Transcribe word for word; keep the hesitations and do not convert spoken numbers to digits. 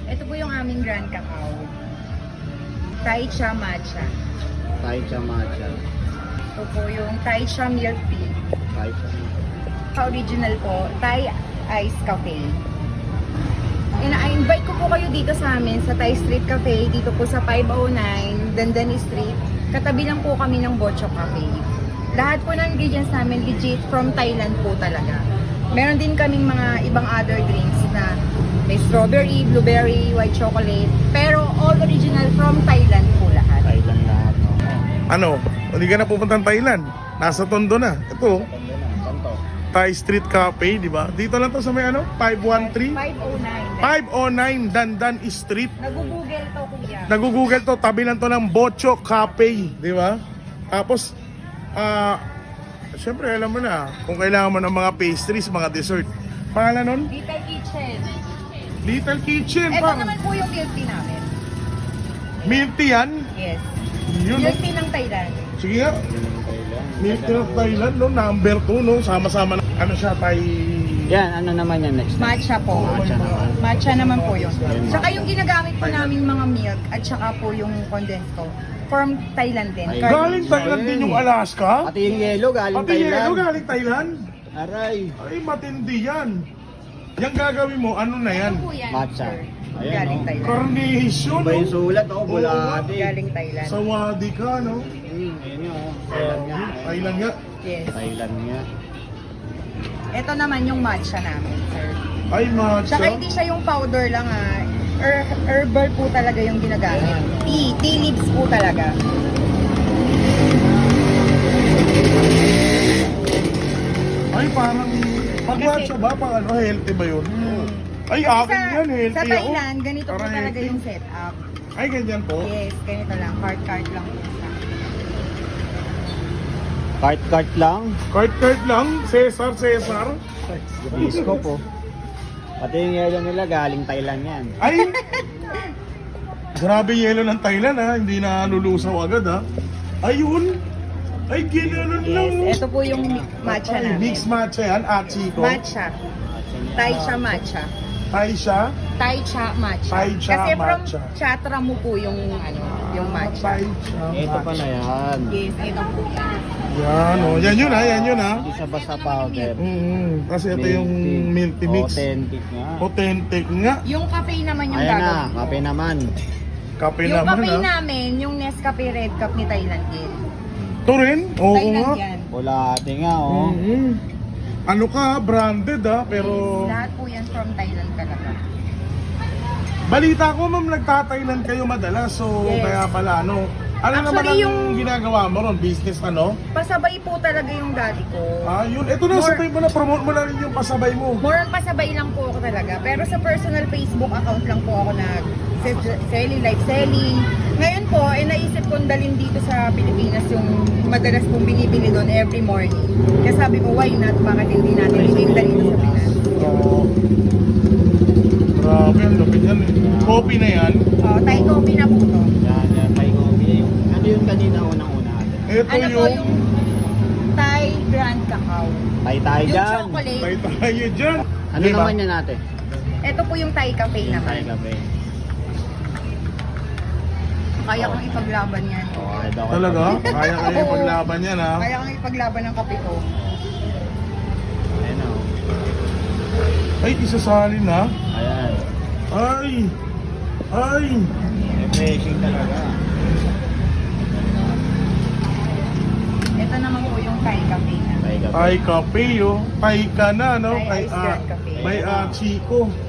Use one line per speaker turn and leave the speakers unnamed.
Ito po yung aming Grand Cacao. Thai Cha Matcha.
Thai Cha Matcha.
Ito po yung Thai Cha Milk Tea.
Thai Cha.
Original po, Thai Ice Cafe. Ina-invite ko po kayo dito sa amin sa Thai Street Cafe, dito po sa five oh nine Dandan Street. Katabi lang po kami ng Bocho Cafe. Lahat po ng ingredients namin legit from Thailand po talaga. Meron din kaming mga ibang other drinks na may strawberry, blueberry, white chocolate. Pero all original from Thailand po lahat.
Thailand lahat. No?
Ano? Hindi ka na pupuntang Thailand. Nasa Tondo na. Ito,
Santo.
Thai Street Cafe, di ba? Dito lang to sa may ano? five one three?
five oh nine.
five oh nine Dandan Street.
Nag-google to kuya.
Nag-google to, tabi lang to ng Bocho Cafe, di ba? Tapos, ah, syempre alam mo na, kung kailangan mo ng mga pastries, mga dessert. Pangalan nun?
Little Kitchen.
Little Kitchen.
Ito
Pang
naman po yung milk tea namin.
milk tea yan.
Yes.
Yun,
Milk
no?
tea ng Thailand.
Sige nga.
Yun ang Thailand.
Milk tea of Thailand, no? Number two, no? Sama-sama na. Ano siya, Thai...
Yan, ano naman yan next?
Matcha po.
Matcha naman.
Matcha naman po yun.
Ayun.
Saka yung ginagamit po naming mga milk at saka po yung condensed ko. From Thailand din.
Ay,
Curd.
Galing Thailand din yung Alaska?
Pati yung yellow galing
Pati
Thailand.
yelo galing Thailand?
Aray.
Ay, matindi yan. Yung gagawin mo, ano na yan?
Ano po yan,
Matcha.
sir?
Ayan,
Galing
oh.
Thailand.
Carnation,
Iba yung
no?
sulat, oh,
Oo,
bulati.
Galing Thailand.
Sawadi ka, no?
Hmm, ayun yun, oh. Thailand nga.
Thailand nga.
Yes.
Thailand nga.
Ito naman yung matcha namin, sir.
Ay, matcha.
Saka hindi siya yung powder lang ah. Er herbal po talaga yung ginagamit. Tea. Tea leaves po talaga.
Ay, parang... Pag
Kasi-
matcha ba? Pang ano, healthy ba yun?
Mm.
Ay,
Kasi
akin yan, healthy
Sa
ako.
Thailand, ganito po
Para
talaga
healthy.
yung setup.
Ay, ganyan po.
Yes, ganito lang. Card-card lang po siya.
Cart-cart lang.
Kart-kart lang. Cesar, Cesar.
Disco po. Pati yung yellow nila galing Thailand yan.
Ay! Grabe yelo ng Thailand, ha? Hindi na lulusaw agad, ha? Ayun! Ay, ginanon lang.
Yes, ito po yung mi- matcha
Ay,
namin.
mix matcha yan, Achiko.
Matcha. Thai cha matcha.
Thai siya.
Thai cha matcha.
Thai cha
Kasi from
matcha.
chatra mo po yung ano, yung matcha.
Thai siya.
Ito pala yan.
Yes, ito po yan.
Yan, oh. Yan yun, ha? Yan yun, ha?
Hindi siya basta powder.
Mm-hmm. Kasi ito yung milk tea mix.
Authentic nga.
Authentic nga.
Yung cafe naman yung
Ayan na,
gagawin ko.
kape naman.
Kape
Yung
naman,
cafe
ha?
namin, yung Nescafe Red Cup ni Thailand din.
Ito rin? Oo
Thailand
nga.
yan.
Bulati nga, oh.
Mhm. Ano ka, branded, ha? Pero...
Yes, lahat po yan from Thailand talaga.
Balita ko, ma'am, nagtatailan kayo madalas. So,
Yes.
kaya pala, ano? Ano naman ang
Actually, yung-
ginagawa mo ron? Business, ano?
Pasabay po talaga yung daddy ko.
Ah, yun. Ito na,
More-
sabay mo na, promote mo na rin yung pasabay mo.
More on pasabay lang po ako talaga. Pero sa personal Facebook account lang po ako nag selling, live selling. Ngayon po, eh, naisip kong dalhin dito sa Pilipinas yung madalas kong binibili doon every morning. Kaya sabi ko, why not? Bakit hindi natin ibigda dito sa Pinas?
Oo. Grabe, ang lupit yan eh. Coffee na yan.
Oh, Thai coffee na po to.
Yan, yan, Thai coffee. Yung, ano yung kanina unang-una?
Ito
Ano po
yung...
yung Thai Grand Cacao?
Thai tayo
Yung
dyan.
chocolate.
Tay tayo dyan.
Ano
Diba?
naman yan natin?
Ito po yung Thai cafe
Thai
naman.
cafe.
Kaya kong ipaglaban yan.
Oh, ito ako.
Talaga? Kaya kayo
Oo.
paglaban yan, ha?
Kaya kong ipaglaban ng kape ko.
Ayan, oh.
Ay, isasalin, ha?
Ayan.
Ay! Ay!
Refreshing talaga.
Ito naman po yung Thai cafe na.
Thai cafe.
Ay, kape, oh. Tay ka na, no?
Thai
Kay,
Ice
ah,
Grand Cafe.
By ah, Chico.